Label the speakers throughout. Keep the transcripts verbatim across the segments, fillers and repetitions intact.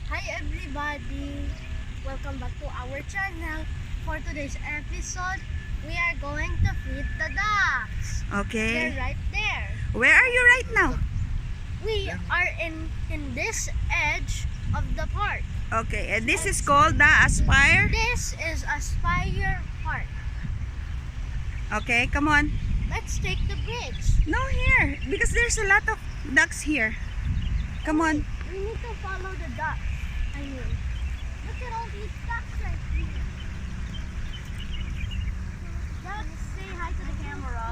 Speaker 1: Hi everybody! Welcome back to our channel. For today's episode, we are going to feed the ducks.
Speaker 2: Okay.
Speaker 1: They're right there.
Speaker 2: Where are you right now?
Speaker 1: We are in, in this edge of the park.
Speaker 2: Okay, and this is called the Aspire.
Speaker 1: This is Aspire Park.
Speaker 2: Okay, come on.
Speaker 1: Let's take the bridge.
Speaker 2: No, here. Because there's a lot of ducks here. Come on.
Speaker 1: We need to follow the ducks. I mean, look at all these ducks right here. Ducks, say hi to the camera.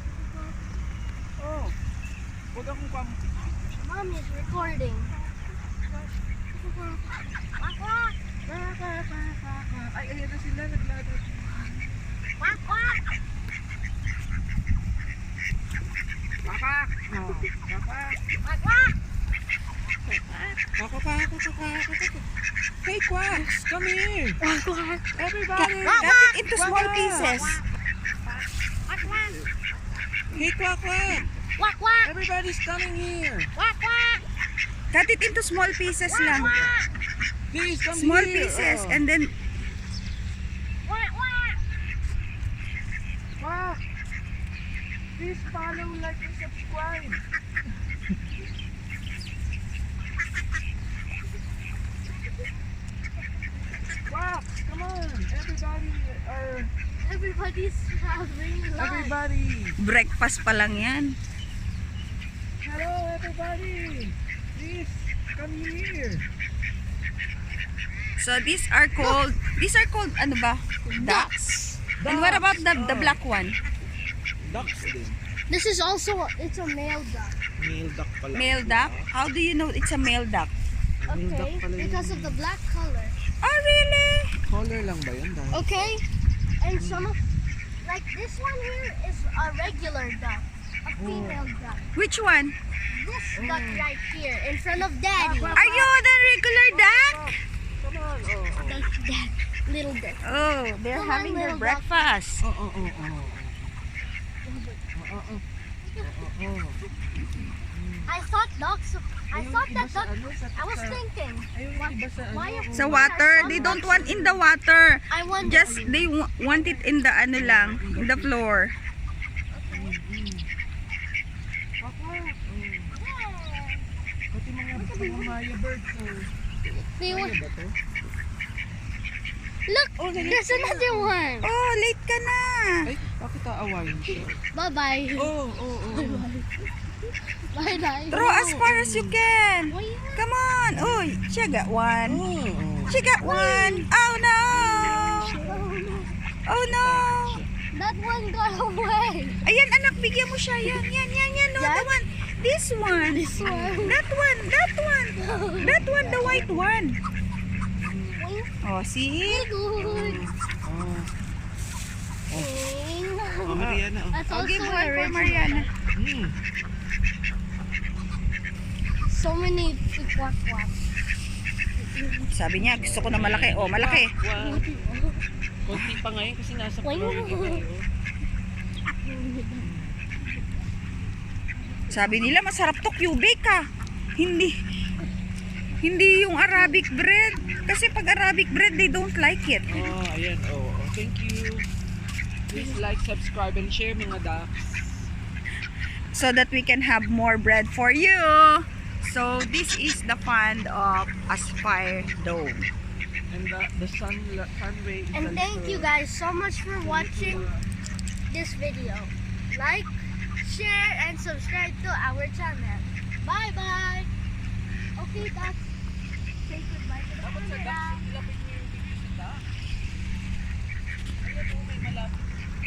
Speaker 3: Oh, huwag akong kwam.
Speaker 1: Mom is recording. Quack, quack.
Speaker 3: Ay, ayan na sila, naglalakad.
Speaker 1: Quack, quack.
Speaker 3: Pakak! Oh, pakak!
Speaker 1: Quack, quack.
Speaker 3: Pakak, pakak, pakak. Hey, Quacks, come here!
Speaker 1: Quack, quack.
Speaker 3: Everybody!
Speaker 2: Cut it into small pieces.
Speaker 1: Quack, quack.
Speaker 3: Hey, Quack, Quack!
Speaker 1: Quack, quack.
Speaker 3: Everybody's coming here!
Speaker 1: Quack, quack.
Speaker 2: Cut it into small pieces lang.
Speaker 3: Please, come
Speaker 2: Small
Speaker 3: here!
Speaker 2: pieces
Speaker 3: Oh.
Speaker 2: and then
Speaker 1: Quack, quack.
Speaker 3: Quack! Please follow, like, and subscribe! Quack! Come on! Everybody are...
Speaker 1: Everybody's having lunch.
Speaker 3: Everybody!
Speaker 2: breakfast pa lang yan.
Speaker 3: Hello, everybody! Please, come here!
Speaker 2: So these are called, these are called, ano ba? Ducks. And what about the, the black one?
Speaker 3: Ducks din.
Speaker 1: This is also, it's a male duck.
Speaker 3: Male duck pala.
Speaker 2: Male duck? How do you know it's a male duck?
Speaker 3: Male duck
Speaker 1: Okay,
Speaker 3: pala yun.
Speaker 1: because of the black color.
Speaker 2: Oh, really?
Speaker 3: Color lang ba yun? Dahil?
Speaker 1: Okay, and some of, like this one here is a regular duck, a female duck.
Speaker 2: Which one?
Speaker 1: This duck right here, in front of Daddy.
Speaker 2: Are you the regular duck?
Speaker 3: Come on! Oh, oh.
Speaker 1: Dad, dad, little duck.
Speaker 2: Oh, they're
Speaker 1: Come on,
Speaker 2: having their
Speaker 1: little duck.
Speaker 2: breakfast.
Speaker 3: Oh, oh, oh, oh. Oh, oh, oh. Oh, oh.
Speaker 1: I thought ducks, I
Speaker 3: Ayun,
Speaker 1: thought
Speaker 3: iba
Speaker 1: that
Speaker 3: sa
Speaker 1: duck,
Speaker 3: ano, sa-
Speaker 1: I was
Speaker 3: sa-
Speaker 1: thinking,
Speaker 3: Ayun,
Speaker 1: what,
Speaker 3: iba sa ano,
Speaker 1: why,
Speaker 3: oh.
Speaker 2: Sa
Speaker 1: why are
Speaker 2: water,
Speaker 1: some
Speaker 2: they don't
Speaker 1: ducks-
Speaker 2: want in the water.
Speaker 1: I wonder.
Speaker 2: Just they wa- want it in the ano lang, in the floor.
Speaker 3: Papa, oh. Pati mga, mga Maya birds, oh.
Speaker 1: They
Speaker 3: Maya
Speaker 1: want,
Speaker 3: ba to?
Speaker 1: look,
Speaker 3: Oh,
Speaker 1: there's another one.
Speaker 2: Oh, late ka na.
Speaker 3: Ay, bakit aawayin siya?
Speaker 1: Bye-bye.
Speaker 3: Oh, oh, oh.
Speaker 1: Bye-bye.
Speaker 2: Throw as far as you can.
Speaker 1: Oh, yeah.
Speaker 2: Come on. Oh, she got one.
Speaker 3: Oh, oh.
Speaker 2: She got one. Oh no. Oh no.
Speaker 1: That one got away.
Speaker 2: Ayan anak, bigyan mo siya. Yan, yan, yan, yan. No, the
Speaker 1: Yan?
Speaker 2: one. This one.
Speaker 1: This one.
Speaker 2: That one. That one. That one, the white one.
Speaker 1: Wink.
Speaker 2: Oh, see?
Speaker 1: Good.
Speaker 3: Oh,
Speaker 1: Wink.
Speaker 3: oh, Mariana, oh.
Speaker 1: That's
Speaker 2: Oh,
Speaker 1: also
Speaker 2: give
Speaker 1: one
Speaker 2: her,
Speaker 1: for
Speaker 2: Mariana.
Speaker 3: Hmm.
Speaker 1: So many quack quack.
Speaker 2: Sabi niya, gusto ko na malaki. Oh, malaki.
Speaker 3: Wow. Konti pa ngayon kasi nasa
Speaker 1: Why
Speaker 3: floor
Speaker 1: no?
Speaker 3: na tayo.
Speaker 2: Sabi nila, masarap to Cubic ah. Hindi. Hindi yung Arabic bread. Kasi pag Arabic bread, they don't like it.
Speaker 3: Oh, ayan. Oh, oh. Thank you. Please like, subscribe, and share mga ducks.
Speaker 2: So that we can have more bread for you. So this is the fund of Aspire Dome.
Speaker 3: And the, the sun, sun ray is
Speaker 1: And
Speaker 3: also-
Speaker 1: thank you guys so much for watching this video. Like, share, and subscribe to our channel. Bye bye. Okay, that's say goodbye to the
Speaker 3: Dapat sa
Speaker 1: camera.
Speaker 3: ducks, ilapit niyo yung video sa ducks. Ayan, oh, may malapit.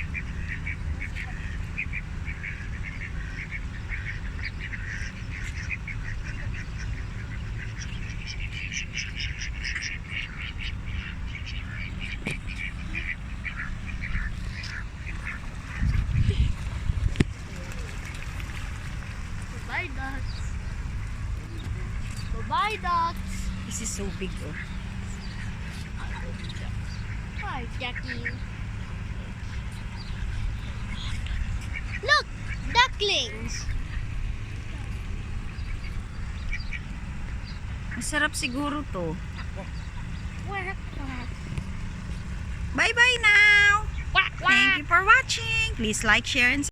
Speaker 1: Bye ducks. Bye ducks.
Speaker 2: This is so big oh.
Speaker 1: Hi Jackie. Look, ducklings.
Speaker 2: Masarap siguro to.
Speaker 1: Quack, quack.
Speaker 2: Bye-bye now!
Speaker 1: Quack,
Speaker 2: Thank you for watching. Please like, share, and